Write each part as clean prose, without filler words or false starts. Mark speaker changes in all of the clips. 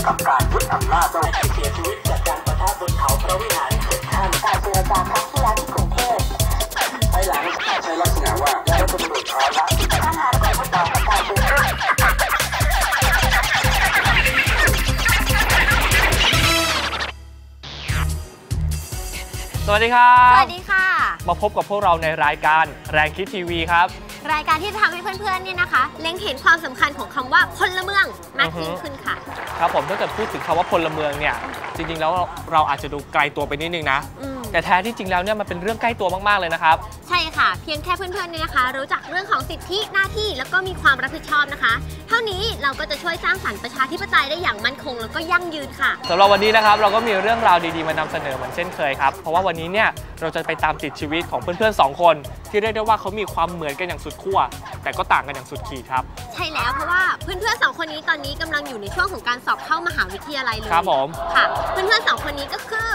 Speaker 1: กับการยึดอำนาจโดยเสียชีวิตจากการประทะบนเขาพระวิหารเสร็จท่านการเจรจาครั้งที่แล้วที่กรุงเทพภายหลังใช้ลักษณะว่าได้ตำรวจขอละปัญหาของผู้ต่อการเมือง
Speaker 2: สวัสดีครับ
Speaker 3: สวัสดีค่ะ
Speaker 2: มาพบกับพวกเราในรายการแรงคิดทีวีครับ
Speaker 3: รายการที่จะทำให้เพื่อนๆเนี่ยนะคะเล็งเห็นความสำคัญของคำว่าพลเมืองมากยิ่งขึ้นค่ะ
Speaker 2: ครับผมถ้าเกิดพูดถึงคำว่าพลเมืองเนี่ยจริงๆแล้วเราอาจจะดูไกลตัวไปนิดนึงนะแต่แท้ที่จริงแล้วเนี่ยมันเป็นเรื่องใกล้ตัวมากๆเลยนะครับ
Speaker 3: ใช่ค่ะเพียงแค่เพื่อนๆเนี่ยนะคะรู้จักเรื่องของสิทธิหน้าที่แล้วก็มีความรับผิดชอบนะคะเท่านี้เราก็จะช่วยสร้างสรรค์ประชาธิปไตยได้อย่างมั่นคงแล้วก็ยั่งยืนค่ะ
Speaker 2: สำหรับวันนี้นะครับเราก็มีเรื่องราวดีๆมานำเสนอเหมือนเช่นเคยครับเพราะว่าวันนี้เนี่ยเราจะไปตามติดชีวิตของเพื่อนๆ2คนที่เรียกได้ว่าเขามีความเหมือนกันอย่างสุดขั้วแต่ก็ต่างกันอย่างสุดขีดครับ
Speaker 3: ใช่แล้วเพราะว่าเพื่อนๆ2คนนี้ตอนนี้กำลังอยู่ในช่วงของการสอบเข้ามหาวิทยาลัยเลย
Speaker 2: ครับผม
Speaker 3: ค่ะเพื่อนๆ2คนนี้ก็คือ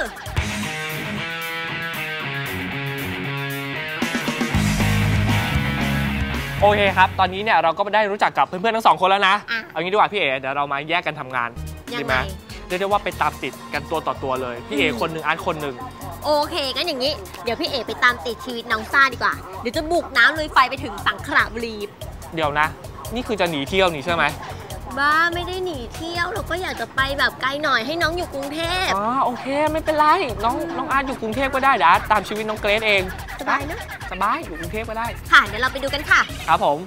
Speaker 2: โอเคครับตอนนี้เนี่ยเราก็ได้รู้จักกับเพื่อนๆทั้ง2คนแล้วนะเอางี้ดีกว่าพี่เอ๋เดี๋ยวเรามาแยกกันทำงานดีไหมเรียกได้ว่าไปตามติดกันตัวต่อตัวเลยพี่เอ๋คนหนึ่งอาร์ตคนหนึ่ง
Speaker 3: โอเคงั้นอย่างนี้เดี๋ยวพี่เอ๋ไปตามติดชีวิตน้องซ่าดีกว่าเดี๋ยวจะบุกน้ำลุยไฟไปถึงสังขละบุรี
Speaker 2: เดี๋ยวนะนี่คือจะหนีเที่ยวนี่ใช่ไหม
Speaker 3: บ้าไม่ได้หนีเที่ยวเราก็อยากจะไปแบบไกลหน่อยให้น้องอยู่กรุงเทพ
Speaker 2: โอเคไม่เป็นไรน้องอาร์ตอยู่กรุงเทพก็ได้เดี๋ยวอาร์ตตามชีวิตน้องเกรซเอง
Speaker 3: สบายนะ
Speaker 2: สบายอยู่กรุงเทพก็ได้
Speaker 3: ค่ะเดี๋ยวเราไปดูกันค่ะ
Speaker 2: ครับผม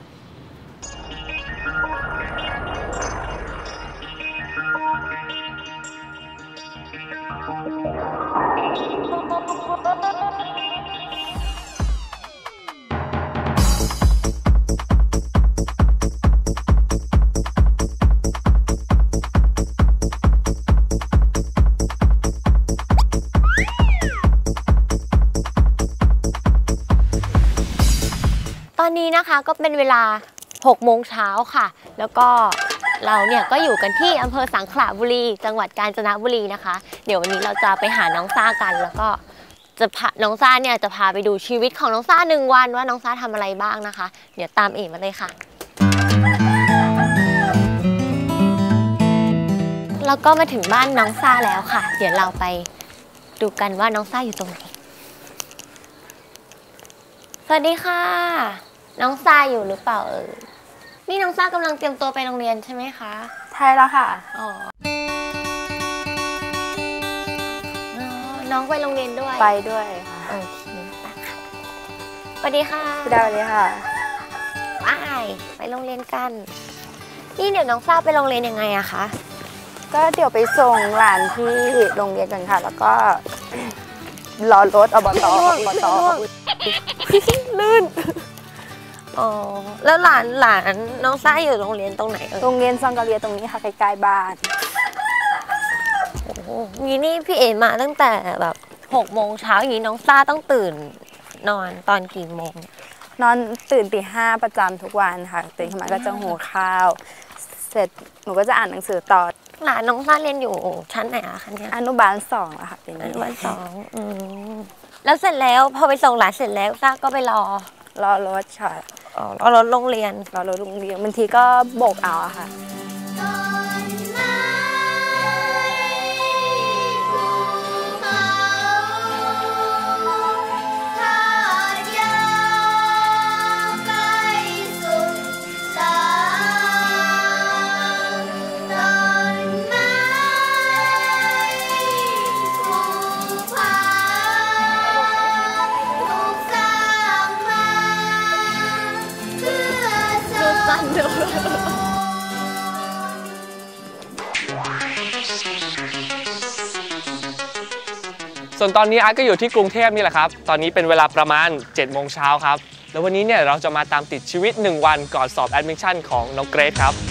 Speaker 3: ตอนนี้นะคะก็เป็นเวลา6 โมงเช้าค่ะแล้วก็เราเนี่ยก็อยู่กันที่อำเภอสังขละบุรีจังหวัดกาญจนบุรีนะคะเดี๋ยววันนี้เราจะไปหาน้องซ่ากันแล้วก็จะพาน้องซ่าเนี่ยจะพาไปดูชีวิตของน้องซ่า1 วันว่าน้องซ่าทำอะไรบ้างนะคะเดี๋ยวตามเอ๋มาเลยค่ะแล้วก็มาถึงบ้านน้องซ่าแล้วค่ะเดี๋ยวเราไปดูกันว่าน้องซ่าอยู่ตรงไหนสวัสดีค่ะน้องซ่าอยู่หรือเปล่านี่น้องซ่ากำลังเตรียมตัวไปโรงเรียนใช่ไหมคะ
Speaker 4: ใช่แล้วค่ะ
Speaker 3: น้องไปโรงเรียนด้วย
Speaker 4: ไปด้วย
Speaker 3: โอเคสวัสดีค่ะ
Speaker 4: สวัสดีค่ะ
Speaker 3: ไปโรงเรียนกันนี่เดี๋ยวน้องซ่าไปโรงเรียนยังไงอะคะ
Speaker 4: ก็เดี๋ยวไปส่งหลานที่โรงเรียนกันค่ะแล้วก็รอรถอบต
Speaker 3: ลื่นแล้วหลานน้องซ่าอยู่โรงเรียนตรงไหน
Speaker 4: โรงเรียนซังกะเรียตรงนี้ค่ะใกล้ๆบ้าน
Speaker 3: โอ้นี่พี่เอ๋มาตั้งแต่แบบ6 โมงเช้าอย่างนี้น้องซ่าต้องตื่นนอนตอนกี่โมง
Speaker 4: นอนตื่นตี 5ประจำทุกวันค่ะตื่นขึ้นมาก็จะหุงข้าวเสร็จหนูก็จะอ่านหนังสือต่อ
Speaker 3: หลานน้องซ่าเรียนอยู่ชั้นไหนอะคะเนี่ย
Speaker 4: อนุบาล2แล้วค่ะเป็น
Speaker 3: อนุบาล2แล้วเสร็จแล้วพอไปส่งหลานเสร็จแล้วซ่าก็ไปรอ
Speaker 4: รถค่ะ
Speaker 3: รอรถโรงเรียน
Speaker 4: บางทีก็โบกเอาอะค่ะ
Speaker 2: ส่วนตอนนี้อาร์ตก็อยู่ที่กรุงเทพนี่แหละครับตอนนี้เป็นเวลาประมาณ7 โมงเช้าครับแล้ววันนี้เนี่ยเราจะมาตามติดชีวิต1 วันก่อนสอบแอดมิชชั่นของน้องเกรซครับ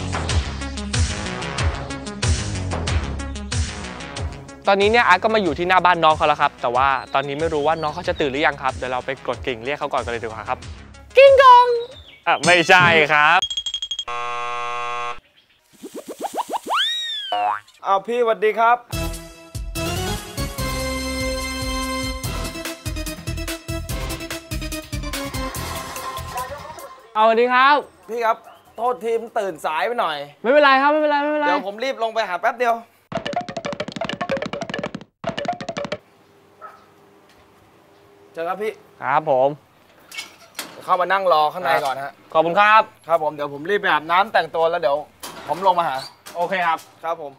Speaker 2: ตอนนี้เนี่ยอาร์ตก็มาอยู่ที่หน้าบ้านน้องเขาแล้วครับแต่ว่าตอนนี้ไม่รู้ว่าน้องเขาจะตื่นหรือยังครับเดี๋ยวเราไปกดกิ่งเรียกเขาก่อนกันเลยดีกว่าครับกิ้งกองไม่ใช่ครับ
Speaker 5: พี่สวัสดีครับ
Speaker 2: เอาสวัสดีครับ
Speaker 5: พี่ครับ
Speaker 2: โ
Speaker 5: โทษทีมตื่นสายไปหน่อย
Speaker 2: ไม่เป็นไรครับไม่เป็นไรไม่เป็นไร
Speaker 5: เดี๋ยวผมรีบลงไปหาแป๊บเดียวเจอครับพี่
Speaker 2: ครับผม
Speaker 5: เข้ามานั่งรอข้างในก่อนฮะ
Speaker 2: ขอบคุณครับ
Speaker 5: ครับผมเดี๋ยวผมรีบไปอาบน้ำแต่งตัวแล้วเดี๋ยวผมลงมาหา
Speaker 2: โอเคครับ
Speaker 5: ครับผม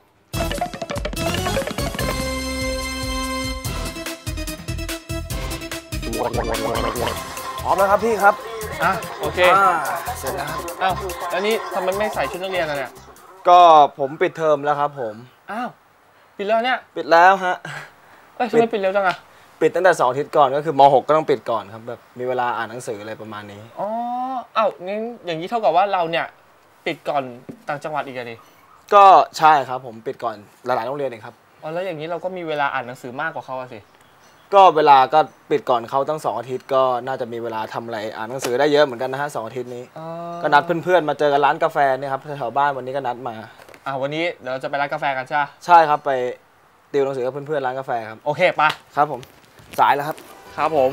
Speaker 5: พร้อมแล้วครับพี่ครับ
Speaker 2: อ่ะโอเค
Speaker 5: เสร็จแล้วครับ
Speaker 2: อ้าวแล้วนี่ทำไมไม่ใส่ชุดนักเรียนอ่ะเนี่ย
Speaker 5: ก็ผมปิดเทอมแล้วครับผม
Speaker 2: อ้าวปิดแล้วเนี่ย
Speaker 5: ปิดแล้วฮะ
Speaker 2: เอ้ยทำไมปิดเร็วจังอะ
Speaker 5: ปิดตั้งแต่2 อาทิตย์ก่อนก็คือม.6 ก็ต้องปิดก่อนครับแบบมีเวลาอ่านหนังสืออะไรประมาณนี้
Speaker 2: อ๋ออ้าวงั้นอย่างนี้เท่ากับว่าเราเนี่ยปิดก่อนต่างจังหวัดอีกอะดิ
Speaker 5: ก็ใช่ครับผมปิดก่อนหลายๆโรงเรียนเองครับ
Speaker 2: อ๋อแล้วอย่างนี้เราก็มีเวลาอ่านหนังสือมากกว่าเขาอะสิ
Speaker 5: ก็เวลาก็ปิดก่อนเขาตั้ง2 อาทิตย์ก็น่าจะมีเวลาทำอะไรอ่านหนังสือได้เยอะเหมือนกันนะฮะ2 อาทิตย์นี้
Speaker 2: อ๋อ
Speaker 5: ก็นัดเพื่อนๆมาเจอกันร้านกาแฟเนี่ยครับแถวๆบ้านวันนี้ก็นัดมา
Speaker 2: วันนี้เดี๋ยวเราจะไปร้านกาแฟกันใช่ไหม
Speaker 5: ใช่ครับไปติวหนังสือกับเพื่อนๆร้านกาแฟครับ
Speaker 2: โอเคปะ
Speaker 5: ครับผมสายแล้วครับ
Speaker 2: ครับผม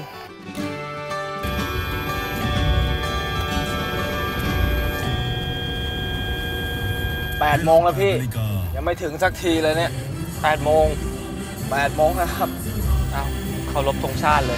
Speaker 5: 8 โมงแล้วพี่ยังไม่ถึงสักทีเลยเนี่ย
Speaker 2: 8 โมง
Speaker 5: 8 โมงนะครับ
Speaker 2: อ้าวเคารพธงชาติเลย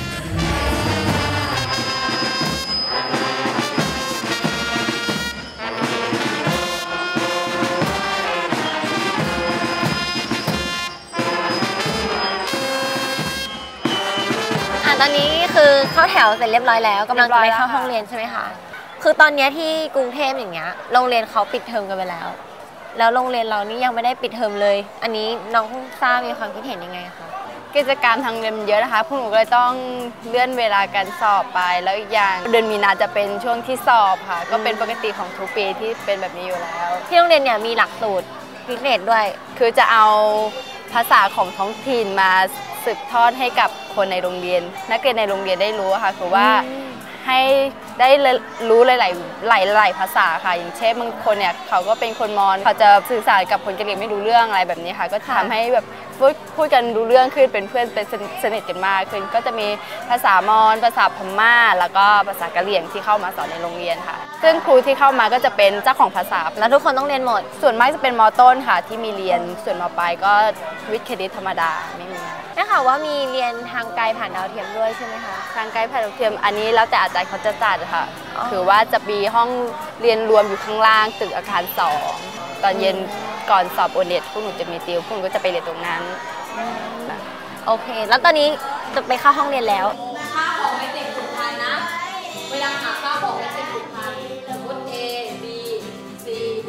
Speaker 3: ตอนนี้คือเข้าแถวเสร็จเรียบร้อยแล้วกำลังจะไปเข้าห้องเรียนใช่ไหมคะคือตอนนี้ที่กรุงเทพอย่างเงี้ยโรงเรียนเขาปิดเทอมกันไปแล้วแล้วโรงเรียนเรานี่ยังไม่ได้ปิดเทอมเลย อันนี้น้องซ่ามีความคิดเห็นยังไงคะ
Speaker 4: กิจกรรมทางเรียนมันเยอะนะคะพวกหนูก็เลยต้องเลื่อนเวลาการสอบไปแล้วอีกอย่างเดือนมีนาจะเป็นช่วงที่สอบค่ะก็เป็นปกติของทุกปีที่เป็นแบบนี้อยู่แล้ว
Speaker 3: ที่โรงเรียนเนี่ยมีหลักสูตรพิเศษด้วย
Speaker 4: คือจะเอาภาษาของท้องถิ่นมาสืบทอดให้กับคนในโรงเรียนนักเรียนในโรงเรียนได้รู้ค่ะคือว่าให้ได้รู้หลายภาษาค่ะอย่างเช่นบางคนเนี่ยเขาก็เป็นคนมอญเขาจะสื่อสารกับคนกะเหรี่ยงไม่รู้เรื่องอะไรแบบนี้ค่ะก็ทำให้แบบพูดกันรู้เรื่องขึ้นเป็นเพื่อนเป็นสนิทกันมากขึ้นก็จะมีภาษามอญภาษาพม่าแล้วก็ภาษากะเหรี่ยงที่เข้ามาสอนในโรงเรียนค่ะซึ่งครูที่เข้ามาก็จะเป็นเจ้าของภาษา
Speaker 3: แล้วทุกคนต้องเรียนหมด
Speaker 4: ส่วนมากจะเป็นม.ต้นค่ะที่มีเรียนส่วนม.ปลายก็วิทย์คณิตธรรมดาไม่มี
Speaker 3: ได้ข่าวว่ามีเรียนทางไกลผ่านดาวเทียมด้วยใช่ไหมคะ
Speaker 4: ทางไกด์ผ่านดาวเทียมอันนี้แล้วแต่อาจารย์เขาจะจัดค่ะ
Speaker 3: อ๋อ
Speaker 4: คือว่าจะมีห้องเรียนรวมอยู่ข้างล่างตึกอาคาร2ตอนเย็นก่อนสอบโอเน็ตพวกหนูจะมีติวพวกหนูก็จะไปเรียนตรงนั้น
Speaker 3: โอเค แล้วตอนนี้จะไปเข้าห้องเรียนแล้ว
Speaker 6: ค่าของไม่ติดถุงพันนะ เวลาหาค่าของไม่ติดถุงพันสมมติ A B C D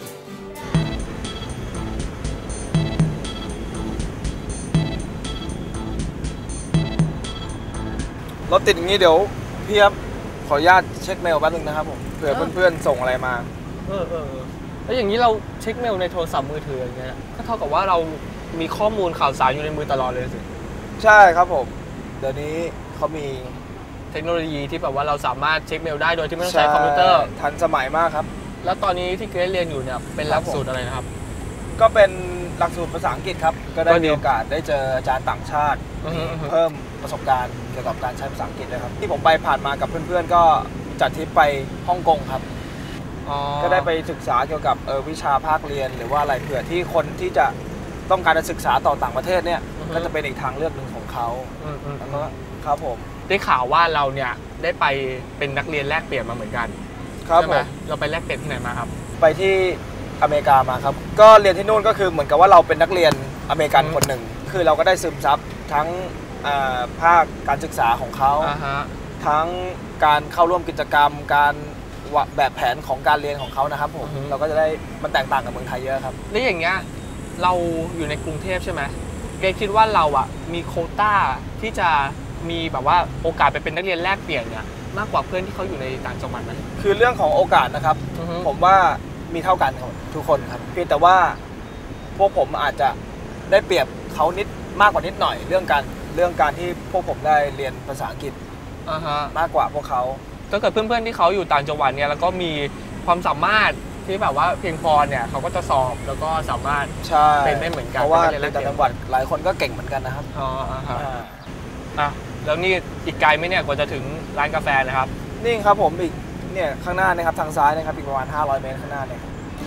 Speaker 5: รถติดอย่างนี้เดี๋ยวพี่ครับขออนุญาตเช็คเมลแป๊บนึงนะครับผมเผื่อเพื่อนๆส่งอะไรมา
Speaker 2: แล้วอย่างนี้เราเช็คเมลในโทรศัพท์มือถืออย่างเงี้ยก็เท่ากับว่าเรามีข้อมูลข่าวสารอยู่ในมือตลอดเลยสิ
Speaker 5: ใช่ครับผมเดี๋ยวนี้เขามี
Speaker 2: เทคโนโลยีที่แบบว่าเราสามารถเช็คเมลได้โดยที่ไม่ต้องใช้คอมพิวเตอร์
Speaker 5: ทันสมัยมากครับ
Speaker 2: แล้วตอนนี้ที่เกรซเรียนอยู่เนี่ยเป็นหลักสูตรอะไรนะครับ
Speaker 5: ก็เป็นหลักสูตรภาษาอังกฤษครับก็ได้
Speaker 2: ก็ดี
Speaker 5: มีโอกาสได้เจออาจารย์ต่างชาติ เพิ่มประสบการณ์เกี่ยวกับการใช้ภาษาอังกฤษนะครับที่ผมไปผ่านมากับเพื่อนๆก็จัดทริปไปฮ่องกงครับก็ได้ไปศึกษาเกี่ยวกับวิชาภาคเรียนหรือว่าอะไรเผื่อที่คนที่จะต้องการจะศึกษาต่อต่างประเทศเนี่ยก็จะเป็นอีกทางเลือกหนึ่งของเขาแล้วก็ครับผม
Speaker 2: ได้ข่าวว่าเราเนี่ยได้ไปเป็นนักเรียนแลกเปลี่ยนมาเหมือนกัน
Speaker 5: ครับ
Speaker 2: ใช่
Speaker 5: ผ
Speaker 2: ไหม
Speaker 5: ม
Speaker 2: เราไปแลกเปลี่ยนที่ไหนมาครับ
Speaker 5: ไปที่อเมริกามาครับก็เรียนที่นู่นก็คือเหมือนกับว่าเราเป็นนักเรียนอเมริกันคนหนึ่งคือเราก็ได้ซึมซับทั้งภาคการศึกษาของเขาทั้งการเข้าร่วมกิจกรรมการแบบแผนของการเรียนของเขานะครับผมเราก็จะได้มันแตกต่างกับเมืองไทยเยอะครับ
Speaker 2: แล้วอย่างเงี้ยเราอยู่ในกรุงเทพใช่ไหมเกรซคิดว่าเราอ่ะมีโควต้าที่จะมีแบบว่าโอกาสไปเป็นนักเรียนแลกเปลี่ยนเนี่ยมากกว่าเพื่อนที่เขาอยู่ในต่างจังหวัดไหม
Speaker 5: คือเรื่องของโอกาสนะครับ ผมว่ามีเท่ากันครับทุกคนครับเพียงแต่ว่าพวกผมอาจจะได้เปรียบเขานิดมากกว่านิดหน่อยเรื่องการที่พวกผมได้เรียนภาษาอังกฤษมากกว่าพวกเขา
Speaker 2: ถ้าเกิดเพื่อนๆที่เขาอยู่ต่างจังหวัดเนี่ยแล้วก็มีความสามารถที่แบบว่าเพียงพอเนี่ยเขาก็จะสอบแล้วก็สามารถเป็นได้เหมือนกัน
Speaker 5: เพราะว่าในต่างจังหวัดหลายคนก็เก่งเหมือนกันนะครับ
Speaker 2: แล้วนี่อีกไกลไหมเนี่ยกว่าจะถึงร้านกาแฟนะครับ
Speaker 5: นี่ครับผมอีกเนี่ยข้างหน้านะครับทางซ้ายนะครับอีกประมาณ500 เมตรข้างหน้าเนี่ย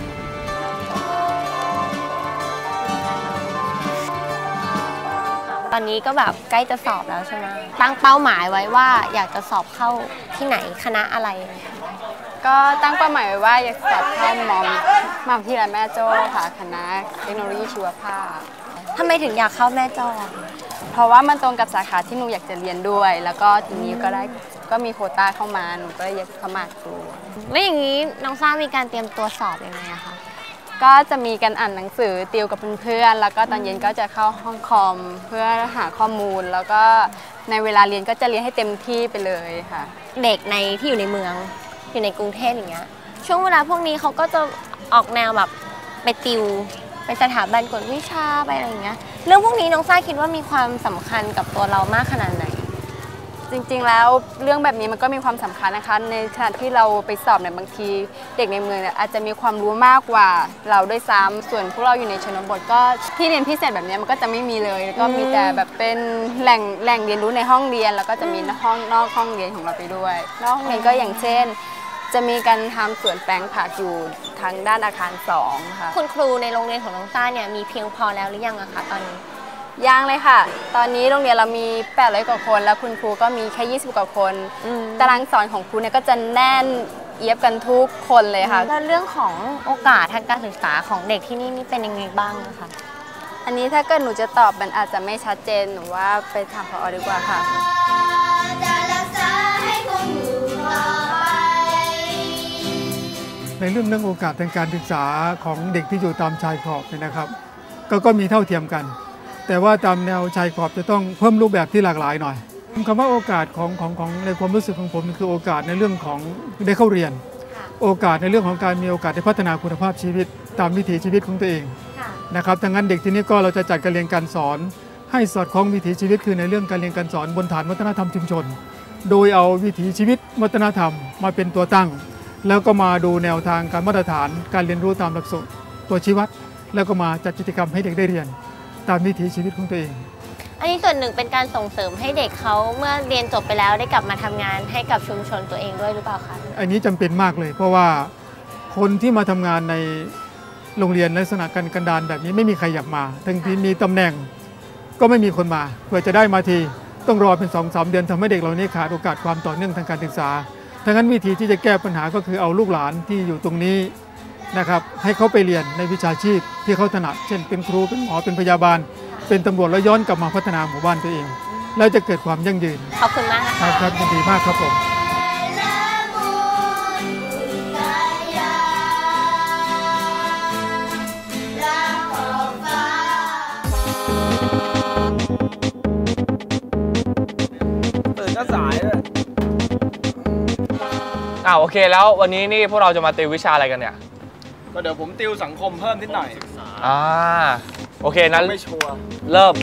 Speaker 3: ตอนนี้ก็แบบใกล้จะสอบแล้วใช่ไหมตั้งเป้าหมายไว้ว่าอยากจะสอบเข้าที่ไหนคณะอะไร
Speaker 4: ก็ตั้งเป้าหมายไว้ว่าอยากสอบเข้ามอมหาวิทยาลัยแม่โจ้ค่ะคณะเทคโนโลยีชีวภาพ
Speaker 3: ทำไมถึงอยากเข้าแม่จ้อ
Speaker 4: เพราะว่ามันตรงกับสาขาที่หนูอยากจะเรียนด้วย แล้วก็ทีนี้ก็มีโควต้าเข้ามาหนูก็เลยอยากสมัครดู
Speaker 3: แล้วอย่างนี้น้องซ่ามีการเตรียมตัวสอบยังไงอะคะ
Speaker 4: ก็จะมีการอ่านหนังสือติวกับเพื่อนๆแล้วก็ตอนเย็นก็จะเข้าห้องคอมเพื่อหาข้อมูล แล้วก็ในเวลาเรียนก็จะเรียนให้เต็มที่ไปเลยค่ะ
Speaker 3: เด็กในที่อยู่ในเมืองอยู่ในกรุงเทพอย่างเงี้ยช่วงเวลาพวกนี้เขาก็จะออกแนวแบบไปติวไปสถาบันกวดวิชาไปอะไรอย่างเงี้ยเรื่องพวกนี้น้องซ่าคิดว่ามีความสำคัญกับตัวเรามากขนาดไหน
Speaker 4: จริงๆแล้วเรื่องแบบนี้มันก็มีความสำคัญนะคะในขณะที่เราไปสอบเนี่ยบางทีเด็กในเมืองเนี่ยอาจจะมีความรู้มากกว่าเราด้วยซ้ำส่วนพวกเราอยู่ในชนบทก็ที่เรียนพิเศษแบบนี้มันก็จะไม่มีเลยแล้วก็มีแต่แบบเป็นแหล่งเรียนรู้ในห้องเรียนแล้วก็จะมีนอกห้องเรียนของเราไปด้วยนอกห้องเรียนก็อย่างเช่นจะมีการทำสวนแปลงผักอยู่ทางด้านอาคาร2ค่ะ
Speaker 3: คุณครูในโรงเรียนของน้องซ่าเนี่ยมีเพียงพอแล้วหรือยังอะคะตอนนี้
Speaker 4: ยังเลยค่ะตอนนี้โรงเรียนเรามี800 กว่าคนแล้วคุณครูก็มีแค่20 กว่าคนตารางสอนของครูเนี่ยก็จะแน่นเอียบกันทุกคนเลยค่ะ
Speaker 3: แล้วเรื่องของโอกาสทางการศึกษาของเด็กที่นี่เป็นยังไงบ้างนะคะ
Speaker 4: อันนี้ถ้าเกิดหนูจะตอบมันอาจจะไม่ชัดเจนหนูว่าไปถามผอ.ดีกว่าค่ะ
Speaker 7: ในเรื่องโอกาสทางการศึกษาของเด็กที่อยู่ตามชายขอบเนี่ยนะครับก็มีเท่าเทียมกันแต่ว่าตามแนวชายขอบจะต้องเพิ่มรูปแบบที่หลากหลายหน่อยคำว่าโอกาสของในความรู้สึกของผมคือโอกาสในเรื่องของได้เข้าเรียนโอกาสในเรื่องของการมีโอกาสได้พัฒนาคุณภาพชีวิตตามวิถีชีวิตของตัวเองนะครับดังนั้นเด็กที่นี้ก็เราจะจัดการเรียนการสอนให้สอดคล้องวิถีชีวิตคือในเรื่องการเรียนการสอนบนฐานวัฒนธรรมชุมชนโดยเอาวิถีชีวิตวัฒนธรรมมาเป็นตัวตั้งแล้วก็มาดูแนวทางการมาตรฐานการเรียนรู้ตามหลักสูตรตัวชี้วัดแล้วก็มาจัดกิจกรรมให้เด็กได้เรียนตามวิถีชีวิตของตัวเอง
Speaker 3: อันนี้ส่วนหนึ่งเป็นการส่งเสริมให้เด็กเขาเมื่อเรียนจบไปแล้วได้กลับมาทำงานให้กับชุมชนตัวเองด้วยหรือเปล่าคะ
Speaker 7: อันนี้จำเป็นมากเลยเพราะว่าคนที่มาทำงานในโรงเรียนลักษณะกันดารแบบนี้ไม่มีใครอยากมาทั้งที่มีตำแหน่งก็ไม่มีคนมาเพื่อจะได้มาทีต้องรอเป็น 2-3 เดือนทำให้เด็กเหล่านี้ขาดโอกาสความต่อเนื่องทางการศึกษาดังนั้นวิธีที่จะแก้ปัญหาก็คือเอาลูกหลานที่อยู่ตรงนี้นะครับให้เขาไปเรียนในวิชาชีพที่เขาถนัดเช่นเป็นครูเป็นหมอเป็นพยาบาลเป็นตำรวจแล้วย้อนกลับมาพัฒนาหมู่บ้านตัวเองแล้วจะเกิดความยั่งยืน
Speaker 3: ขอบคุณมากนะคะ
Speaker 7: ครับยินดีมากครับผม
Speaker 5: ตื่นก็สายเลย
Speaker 2: โอเคแล้ววันนี้นี่พวกเราจะมาติววิชาอะไรกันเนี่ย
Speaker 5: ก็เดี๋ยวผมติวสังคมเพิ่มนิดหน่อย
Speaker 2: โอเคนั้น
Speaker 5: ไม่ชัวร์
Speaker 2: เริ่ม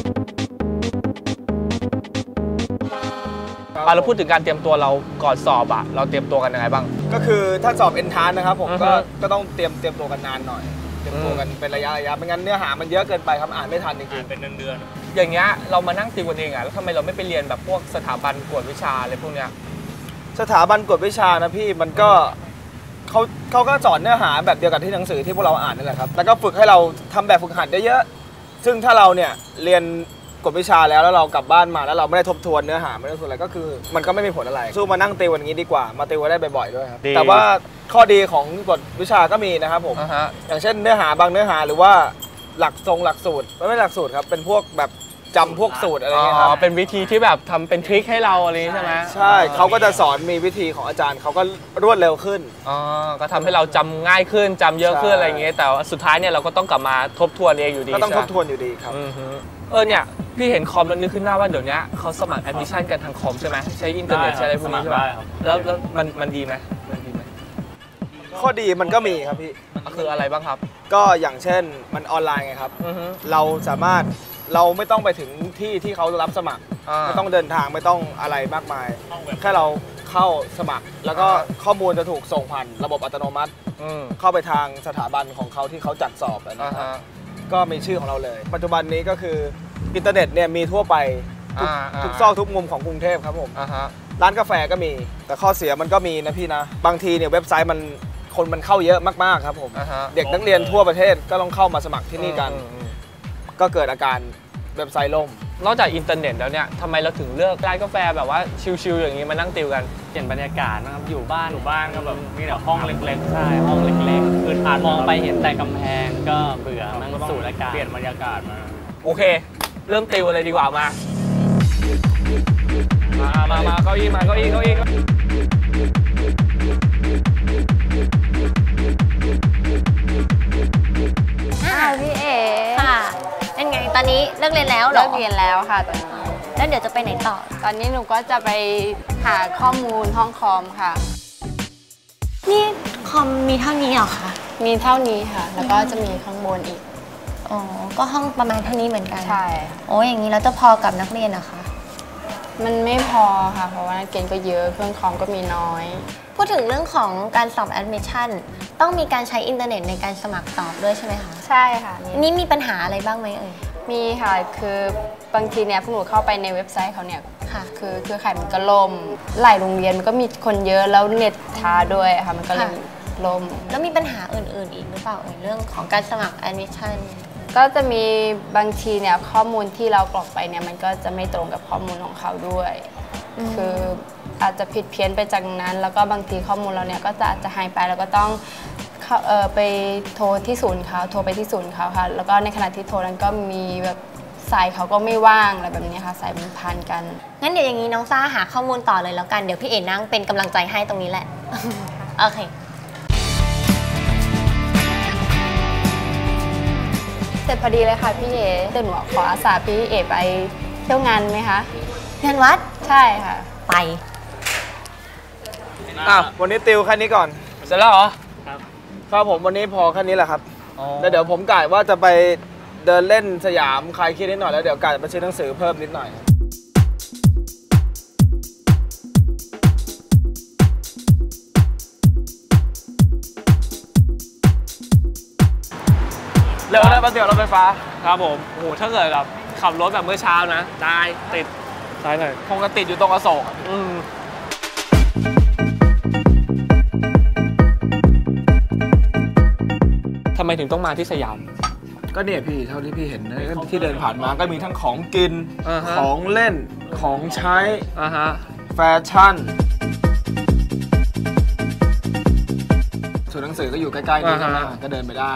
Speaker 2: เราพูดถึงการเตรียมตัวเราก่อนสอบเราเตรียมตัวกันยังไงบ้าง
Speaker 5: ก็คือถ้าสอบเอนทรานนะครับผมก็ต้องเตรียมตัวกันนานหน่อยเตรียมตัวกันเป็นระยะไม่งั้นเนื้อหามันเยอะเกินไปครับอ่านไม่ทันจริงๆ
Speaker 2: เป็นเดือนอย่างเงี้ยเรามานั่งติวกันเองแล้วทำไมเราไม่ไปเรียนแบบพวกสถาบันกวดวิชาอะไรพวกเนี้ย
Speaker 5: สถาบันกวดวิชานะพี่มันก็เขาก็สอนเนื้อหาแบบเดียวกับที่หนังสือที่พวกเราอ่านนั่นแหละครับแล้วก็ฝึกให้เราทำแบบฝึกหัดเยอะๆซึ่งถ้าเราเนี่ยเรียนกวดวิชาแล้วเรากลับบ้านมาแล้วเราไม่ได้ทบทวนเนื้อหาไม่ได้ทบทวนอะไรก็คือมันก็ไม่มีผลอะไรสู้มานั่งติวอย่างนี้ดีกว่ามาติวได้บ่อยๆด้วยครับแต่ว่าข้อดีของกวดวิชาก็มีนะครับผมอย่างเช่นเนื้อหาบางเนื้อหาหรือว่าหลักสูตรไม่หลักสูตรครับเป็นพวกแบบจำพวกสูตรอะไรเงี้ยครับ
Speaker 2: เป็นวิธีที่แบบทำเป็นทริคให้เราอะไรใช่ไหม
Speaker 5: ใช่เขาก็จะสอนมีวิธีของอาจารย์เขาก็รวดเร็วขึ้น
Speaker 2: ก็ทำให้เราจำง่ายขึ้นจำเยอะขึ้นอะไรเงี้ยแต่สุดท้ายเนี่ยเราก็ต้องกลับมาทบทวนเองอยู่ดี
Speaker 5: ก็ต้องทบทวนอยู่ดีครับ
Speaker 2: เนี่ยพี่เห็นคอมแล้วนึกขึ้นหน้าว่าเดี๋ยวนี้เขาสมัครแอดมิชชั่นกันทางคอมใช่ไหมใช้อินเทอร์เน็ตใช้อะไรพวกนี้ใช่ไหมแล้วมันดีไหม
Speaker 5: ข้อดีมันก็มีครับพี่
Speaker 2: คืออะไรบ้างครับ
Speaker 5: ก็อย่างเช่นมันออนไลน์ไงครับเราสามารถเราไม่ต้องไปถึงที่เขารับสมัครไม่ต้องเดินทางไม่ต้องอะไรมากมายแค่เราเข้าสมัครแล้วก็ข้อมูลจะถูกส่งผ่านระบบอัตโนมัติเข้าไปทางสถาบันของเขาที่เขาจัดสอบนะครับก็มีชื่อของเราเลยปัจจุบันนี้ก็คืออินเทอร์เน็ตเนี่ยมีทั่วไปทุกซอกทุกมุมของกรุงเทพครับผมร้านกาแฟก็มีแต่ข้อเสียมันก็มีนะพี่นะบางทีเนี่ยเว็บไซต์คนมันเข้าเยอะมากๆครับผมเด็กนักเรียนทั่วประเทศก็ต้องเข้ามาสมัครที่นี่กันก็เกิดอาการเว็บไซต์ล่ม
Speaker 2: นอกจากอินเทอร์เน็ตแล้วเนี่ยทำไมเราถึงเลือกร้านกาแฟแบบว่าชิลๆอย่างนี้มานั่งติวกัน
Speaker 8: เปลี่ยนบรรยากาศนะครับอยู่บ้านก็แบบมีแต่ห้องเล็กๆใช่ห้องเล็กๆคืออ่านมองไปเห็นแต่กำแพงก็เบื่อนั่งสูดอากาศเปลี่ยนบรรยากาศมา
Speaker 2: โอเคเริ่มติวเลยดีกว่ามาเก้าอี้มาเก้าอี้
Speaker 4: พี่เอ๋
Speaker 3: ค่ะเป็นไงตอนนี้เลิกเรียนแล้วเหรอ
Speaker 4: เลิกเรียนแล้วค่ะตอนนี้
Speaker 3: แล้วเดี๋ยวจะไปไหนต่อ
Speaker 4: ตอนนี้หนูก็จะไปหาข้อมูลห้องคอมค่ะ
Speaker 3: นี่คอมมีเท่านี้เหรอคะ
Speaker 4: มีเท่านี้ค่ะแล้วก็จะมีข้างบนอีก
Speaker 3: อ๋อก็ห้องประมาณเท่านี้เหมือนกัน
Speaker 4: ใช่
Speaker 3: โอ้อย่างนี้แล้วจะพอกับนักเรียนนะคะ
Speaker 4: มันไม่พอค่ะเพราะว่านักเรียนก็เยอะเครื่องคอมก็มีน้อย
Speaker 3: พูดถึงเรื่องของการสอบแอดมิชชั่นต้องมีการใช้อินเทอร์เน็ตในการสมัครสอบด้วยใช่ไหมคะ
Speaker 4: ใช่ค่ะ
Speaker 3: นี่มีปัญหาอะไรบ้างไหมเอ่ย
Speaker 4: มีค่ะคือบางทีเนี่ยพวกหนูเข้าไปในเว็บไซต์เขาเนี่ยค่ะคือเครือข่ายมันก็ล่มหลายโรงเรียนมันก็มีคนเยอะแล้วเน็ตช้าด้วยค่ะมันก็เลยล่ม
Speaker 3: แล้วมีปัญหาอื่นๆอีกหรือเปล่าเรื่องของการสมัครแอดมิชชั่น
Speaker 4: ก็จะมีบางทีเนี่ยข้อมูลที่เรากรอกไปเนี่ยมันก็จะไม่ตรงกับข้อมูลของเขาด้วยคืออาจจะผิดเพี้ยนไปจากนั้นแล้วก็บางทีข้อมูลเราเนี่ยก็อาจจะหายไปแล้วก็ต้องไปโทรที่ศูนย์เขาโทรไปที่ศูนย์เขาค่ะแล้วก็ในขณะที่โทรนั้นก็มีแบบสายเขาก็ไม่ว่างอะไรแบบนี้ค่ะสายมันพันกัน
Speaker 3: งั้นเดี๋ยวอย่างนี้น้องซ่าหาข้อมูลต่อเลยแล้วกันเดี๋ยวพี่เอ๋นั่งเป็นกำลังใจให้ตรงนี้แหละโอเค
Speaker 4: เสร็จพอดีเลยค่ะพี่เอ๋เดี๋ยวหนูขออาสาพี่เอ๋ไปเที่ยวงานไหมคะ
Speaker 3: งานวัด
Speaker 4: ใช่ค่ะ
Speaker 3: ไป
Speaker 5: วันนี้ติวแค่นี้ก่อน
Speaker 2: เสร็จแล้วเหรอ
Speaker 5: ครับผมวันนี้พอแค่นี้แหละครับแล้วเดี๋ยวผมกะว่าจะไปเดินเล่นสยามคลายเครียดนิดหน่อยแล้วเดี๋ยวกะจะไปซื้อหนังสือเพิ่มนิดหน่อยเร็วนะแป๊บเดียวรถไฟฟ้า
Speaker 2: ครับผมโอ้โหถ้าเกิดแบบขับรถแบบเมื่อเช้านะได้ติดซ้ายหน่อย
Speaker 5: คงจะติดอยู่ตรงอโศก
Speaker 2: ทำไมถึงต้องมาที่สยาม
Speaker 5: ก็เนี่ยพี่เท่าที่พี่เห็นนะที่เดินผ่านมาก็มีทั้งของกินของเล่นของใช้แฟชั่นส่วนหนังสือก็อยู่ใกล้ๆนี่ใช่ไหมก็เดินไปได้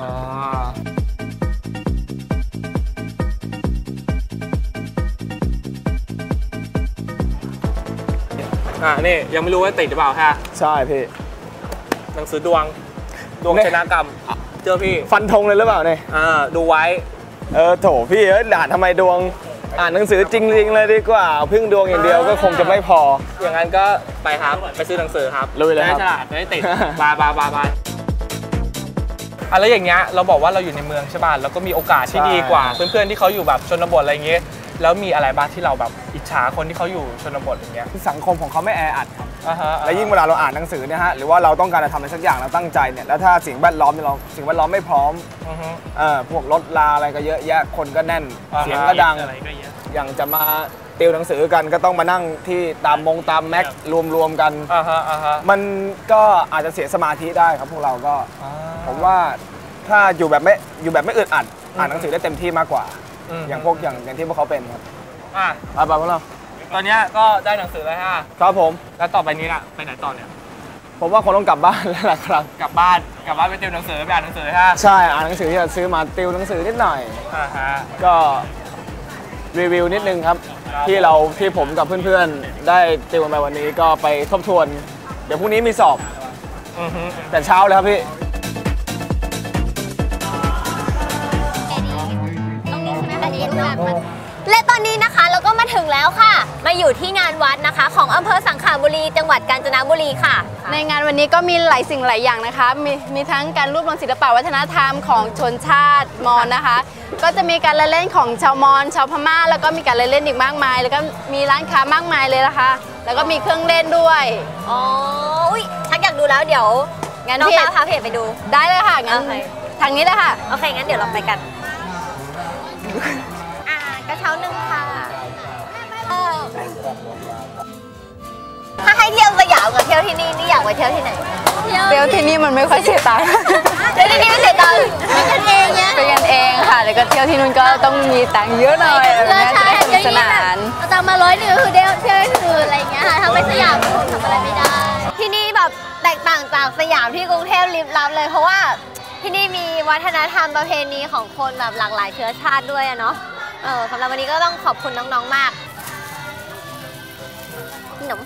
Speaker 2: นี่ยังไม่รู้ว่าติดหรือเปล่าฮะ
Speaker 5: ใช่พี่
Speaker 2: หนังสือดวงชนะกรรมเจอพี่
Speaker 5: ฟันธงเลยหรือเปล่าเนี่ย
Speaker 2: ดูไว้
Speaker 5: โถพี่ด่านทำไมดวงอ่านหนังสือจริงๆเลยดีกว่าพึ่งดวงอย่างเดียวก็คงจะไม่พอ
Speaker 2: อย่างนั้นก็ไปครับไปซื้อหนังสือครับ
Speaker 5: เลยครับ
Speaker 2: ฉลาดจะได้ติดบายแล้วอย่างเงี้ยเราบอกว่าเราอยู่ในเมืองใช่ป่ะแล้วก็มีโอกาสที่ดีกว่าเพื่อนๆที่เขาอยู่แบบชนบทอะไรเงี้ยแล้วมีอะไรบ้างที่เราแบบอิจฉาคนที่เขาอยู่ชนบทอย่างเงี้ย
Speaker 5: สังคมของเขาไม่แออัดครับและยิ่งเวลาเราอ่านหนังสือเนี่ยฮะหรือว่าเราต้องการจะทำอะไรสักอย่างเราตั้งใจเนี่ยแล้วถ้าสิ่งแวดล้อมไม่พร้อมพวกรถลาอะไรก็เยอะแยะคนก็แน่นเสียงก็ดังอย่างจะมาติวหนังสือกันก็ต้องมานั่งที่ตามแม็กรวมกันมันก็อาจจะเสียสมาธิได้ครับพวกเราก็ผมว่าถ้าอยู่แบบไม่อึดอัดอ่านหนังสือได้เต็มที่มากกว่าอย่างที่พวกเขาเป็นครับไปพวกเรา
Speaker 2: ตอนนี้ก็ได้หนังสือแล้วฮะ
Speaker 5: ครับผม
Speaker 2: แล้วต่อไปนี้ล่ะไปไหนต่อเนี่ย
Speaker 5: ผมว่าคงต้องกลับบ้านแล้วล่ะครับ
Speaker 2: กลับบ้านไปติวหนังสือไปอ่านหนังสือฮะ
Speaker 5: ใช่อ่านหนังสือที่จะซื้อมาติวหนังสือนิดหน่อยก็รีวิวนิดนึงครับที่ผมกับเพื่อนๆได้ติวกันไปวันนี้ก็ไปทบทวนเดี๋ยวพรุ่งนี้มีสอบแต่เช้าเลยครับพี่
Speaker 3: และตอนนี้นะคะเราก็มาถึงแล้วค่ะมาอยู่ที่งานวัดนะคะของอำเภอสังขบุรีจังหวัดกาญจนบุรีค่ะ
Speaker 4: ในงานวันนี้ก็มีหลายสิ่งหลายอย่างนะคะมีทั้งการรวบรวมศิลปวัฒนธรรมของชนชาติมอญนะคะก็จะมีการเล่นของชาวมอญชาวพม่าแล้วก็มีการเล่นอีกมากมายแล้วก็มีร้านค้ามากมายเลยนะคะแล้วก็มีเครื่องเล่นด้วย
Speaker 3: ชักอยากดูแล้วเดี๋ยวงั้นน้องตาพาเพจไปดู
Speaker 4: ได้เลยค่ะงั้นทางนี้เลยค่ะ
Speaker 3: โอเคงั้นเดี๋ยวเราไปกันกระเช้าหนึ่งค่ะถ้าให้เที่ยวสยามกับเที่ยวที่นี่นี่อยากไปเที่ยวที่ไหน
Speaker 4: เที่ยวที่นี่มันไม่ค่อยเสียตังค์
Speaker 3: เที่ยวที่นี่ไม่เสียตังค์เป็นกันเองเนี่ย
Speaker 4: เป็นกันเองค่ะแล้วก็เที่ยวที่นู่นก็ต้องมีตังค์เยอะหน่อยแบบนี้จะได้สนุกสนาน
Speaker 3: เอาตังค์มา100คือเที่ยวอื่นอะไรอย่างเงี้ยค่ะถ้าไม่สยามคงทำอะไรไม่ได้ ที่นี่แบบแตกต่างจากสยามที่กรุงเทพลิบลับเลยเพราะว่าที่นี่มีวัฒนธรรมประเพณีของคนแบบหลากหลายเชื้อชาติด้วยอะเนาะสำหรับวันนี้ก็ต้องขอบคุณน้องๆมากขนม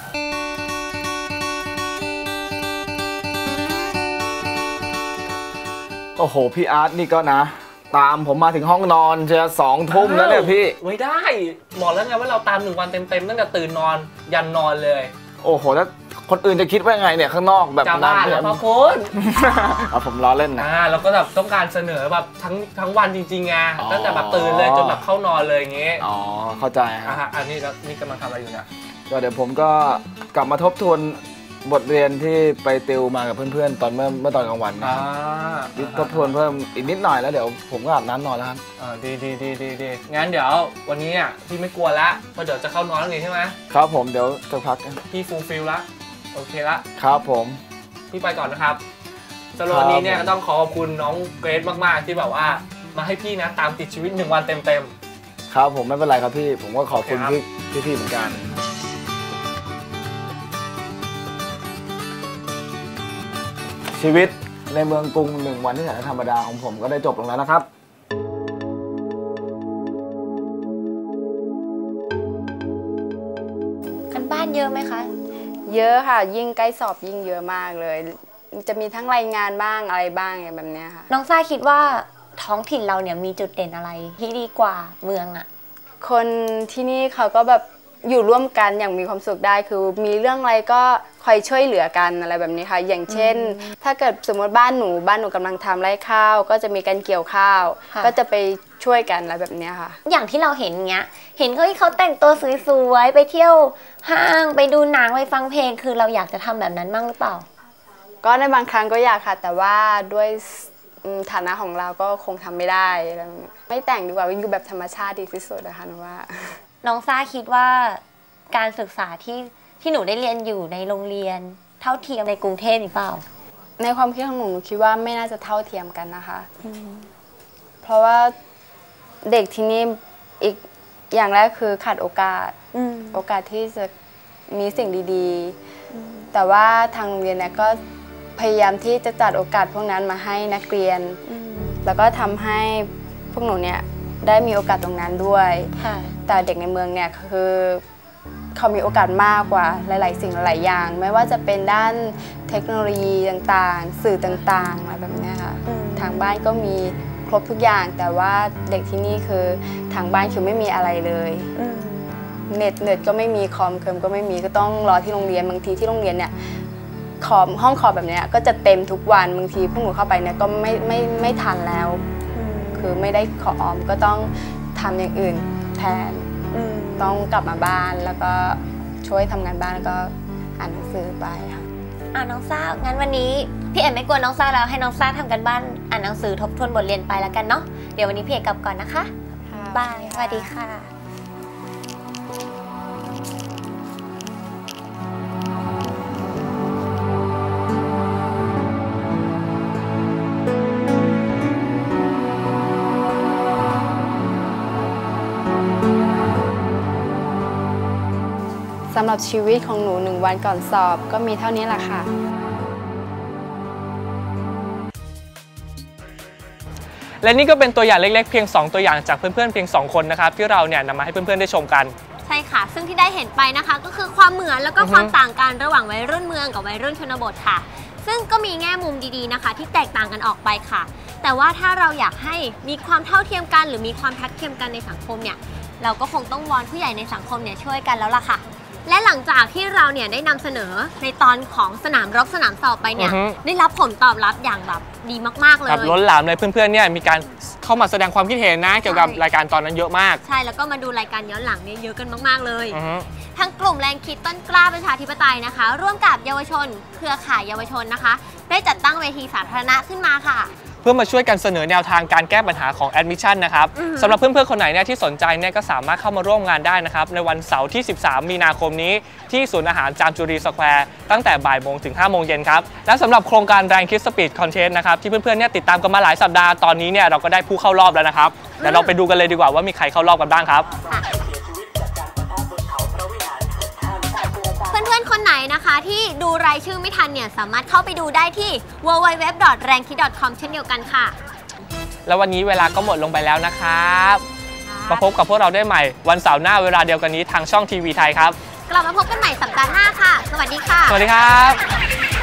Speaker 5: โอ้โหพี่อาร์ตนี่ก็นะ ตามผมมาถึงห้องนอนจะ2 ทุ่มแล้วเนี่ยพี่
Speaker 2: ไว้ได้บอกแล้วไงว่าเราตาม1 วันเต็มๆตั้งแต่ตื่นนอนยันนอนเลย
Speaker 5: โอ้โหแล้วคนอื่นจะคิดว่าไงเนี่ยข้างนอกแบบ
Speaker 2: นั้นเนี่ยพ่อคุณ
Speaker 5: เอาผมล้อเล่นนะ
Speaker 2: แล้วก็แบบต้องการเสนอแบบทั้งวันจริงๆไงตั้งแต่แบบตื่นเลยจนแบบเข้านอนเลยอย่างงี้
Speaker 5: อ๋อเข้าใจ
Speaker 2: ครับอันนี้กำลังทำอะไรอยู่เนี่ย
Speaker 5: ก็เดี๋ยวผมก็กลับมาทบทวนบทเรียนที่ไปติวมากับเพื่อนๆตอนเมื่อตอนกลางวันนะทบทวนเพิ่มอีกนิดหน่อยแล้วเดี๋ยวผมก็อาบน้ำนอนแล้วครับ
Speaker 2: ดีงั้นเดี๋ยววันนี้พี่ไม่กลัวละเพราะเดี๋ยวจะเข้านอนแล้วนี่ใช่ไหม
Speaker 5: ครับผมเดี๋ยวจะพัก
Speaker 2: พี่ฟูลฟิลละโอเคละ
Speaker 5: ครับผม
Speaker 2: พี่ไปก่อนนะครับสำหรับวันนี้เนี่ยก็ต้องขอบคุณน้องเกรซมากๆที่แบบว่ามาให้พี่นะตามติดชีวิต1 วันเต็ม
Speaker 5: ๆครับผมไม่เป็นไรครับพี่ผมก็ขอบคุณพี่เหมือนกันชีวิตในเมืองกรุง1 วันที่แสนธรรมดาของผมก็ได้จบลงแล้วนะครับ
Speaker 3: กันบ้านเยอะไหมคะ
Speaker 4: เยอะค่ะยิ่งใกล้สอบยิ่งเยอะมากเลยจะมีทั้งรายงานบ้างอะไรบ้างแบบนี้ค่ะ
Speaker 3: น้องซ่าคิดว่าท้องถิ่นเราเนี่ยมีจุดเด่นอะไรที่ดีกว่าเมืองอ่ะ
Speaker 4: คนที่นี่เขาก็แบบอยู่ร่วมกันอย่างมีความสุขได้คือมีเรื่องอะไรก็คอยช่วยเหลือกันอะไรแบบนี้ค่ะอย่างเช่นถ้าเกิดสมมติบ้านหนูกำลังทำไร่ข้าวก็จะมีการเกี่ยวข้าวก็จะไปช่วยกันอะไรแบบนี้ค่ะ
Speaker 3: อย่างที่เราเห็นเงี้ยเห็นเขาแต่งตัวสวยๆไปเที่ยวห้างไปดูหนังไปฟังเพลงคือเราอยากจะทำแบบนั้นบ้างหรือเปล่า
Speaker 4: ก็ในบางครั้งก็อยากค่ะแต่ว่าด้วยฐานะของเราก็คงทำไม่ได้ไม่แต่งดีกว่าอยู่แบบธรรมชาติดีที่สุดนะคะหนูว่า
Speaker 3: น้องซ่าคิดว่าการศึกษาที่หนูได้เรียนอยู่ในโรงเรียนเท่าเทียมในกรุงเทพหรือเปล่า
Speaker 4: ในความคิดของหนูคิดว่าไม่น่าจะเท่าเทียมกันนะคะเพราะว่าเด็กที่นี่อีกอย่างแรกคือขาดโอกาสที่จะมีสิ่งดีๆแต่ว่าทางโรงเรียนเนี่ยก็พยายามที่จะจัดโอกาสพวกนั้นมาให้นักเรียนแล้วก็ทำให้พวกหนูเนี่ยได้มีโอกาสตรงนั้นด้วยแต่เด็กในเมืองเนี่ยคือเขามีโอกาสมากกว่าหลายๆสิ่งหลายอย่างไม่ว่าจะเป็นด้านเทคโนโลยีต่างๆสื่อต่างๆอะไรแบบนี้ค่ะทางบ้านก็มีครบทุกอย่างแต่ว่าเด็กที่นี่คือทางบ้านคือไม่มีอะไรเลยเน็ตก็ไม่มีคอมก็ไม่มีก็ต้องรอที่โรงเรียนบางทีที่โรงเรียนเนี่ยห้องคอมแบบนี้ก็จะเต็มทุกวันบางทีพวกหนูเข้าไปเนี่ยก็ไม่ทันแล้วคือไม่ได้คอมก็ต้องทำอย่างอื่นแทนต้องกลับมาบ้านแล้วก็ช่วยทำงานบ้านแล้วก็อ่านหนังสือไปค่ะ
Speaker 3: น้องซ่างั้นวันนี้พี่เอ็มไม่กลัวน้องซ่าแล้วให้น้องซ่าทำกันบ้านอ่านหนังสือทบทวนบทเรียนไปแล้วกันเนาะเดี๋ยววันนี้พี่เอ็มกลับก่อนนะคะบายสวัสดีค่ะ
Speaker 4: สำหรับชีวิตของหนู1 วันก่อนสอบก็มีเท่านี้แหละค่ะ
Speaker 2: และนี่ก็เป็นตัวอย่างเล็กๆเพียง2ตัวอย่างจากเพื่อนๆเพียง2คนนะครับที่เราเนี่ยนำมาให้เพื่อนๆได้ชมกัน
Speaker 3: ใช่ค่ะซึ่งที่ได้เห็นไปนะคะก็คือความเหมือนแล้วก็ความต่างกันระหว่างวัยรุ่นเมืองกับวัยรุ่นชนบทค่ะซึ่งก็มีแง่มุมดีๆนะคะที่แตกต่างกันออกไปค่ะแต่ว่าถ้าเราอยากให้มีความเท่าเทียมกันหรือมีความทัดเทียมกันในสังคมเนี่ยเราก็คงต้องวอนผู้ใหญ่ในสังคมเนี่ยช่วยกันแล้วล่ะค่ะและหลังจากที่เราเนี่ยได้นำเสนอในตอนของสนามรบสนามสอบไปเนี่ยได้รับผลตอบรับอย่างแบบดีมากๆเลย
Speaker 2: ล้นหลามเลยเพื่อนๆเนี่ยมีการเข้ามาแสดงความคิดเห็นนะเกี่ยวกับรายการตอนนั้นเยอะมาก
Speaker 3: ใช่แล้วก็มาดูรายการย้อนหลังเนี่ยเยอะกันมากๆเลยทั้งกลุ่มแรงคิดต้นกล้าประชาธิปไตยนะคะร่วมกับเยาวชนเครือข่ายเยาวชนนะคะได้จัดตั้งเวทีสาธารณะขึ้นมาค่ะ
Speaker 2: พื่อมาช่วยกันเสนอแนวทางการแก้ปัญหาของ Admission นะครับสำหรับเพื่อนๆคนไหนเนี่ยที่สนใจเนี่ยก็สามารถเข้ามาร่วมงานได้นะครับในวันเสาร์ที่ 13 มีนาคมนี้ที่ศูนย์อาหารจามจุรีสแควร์ตั้งแต่บ่ายโมงถึง 5 โมงเย็นครับและสำหรับโครงการแรงคิดสปีดคอนเทนต์นะครับที่เพื่อนๆเนี่ยติดตามกันมาหลายสัปดาห์ตอนนี้เนี่ยเราก็ได้ผู้เข้ารอบแล้วนะครับเดี๋ยวเราไปดูกันเลยดีกว่าว่ามีใครเข้ารอบกันบ้างครับ
Speaker 3: เพื่อนๆคนไหนนะคะที่ดูรายชื่อไม่ทันเนี่ยสามารถเข้าไปดูได้ที่ www.rankit.com เช่นเดียวกันค่ะ
Speaker 2: แล้ววันนี้เวลาก็หมดลงไปแล้วนะครับมาพบกับพวกเราได้ใหม่วันเสาร์หน้าเวลาเดียวกันนี้ทางช่องทีวีไทยครับ
Speaker 3: กลับมาพบกันใหม่สัปดาห์หน้าค่ะสวัสดีค่ะ
Speaker 2: สวัสดีครับ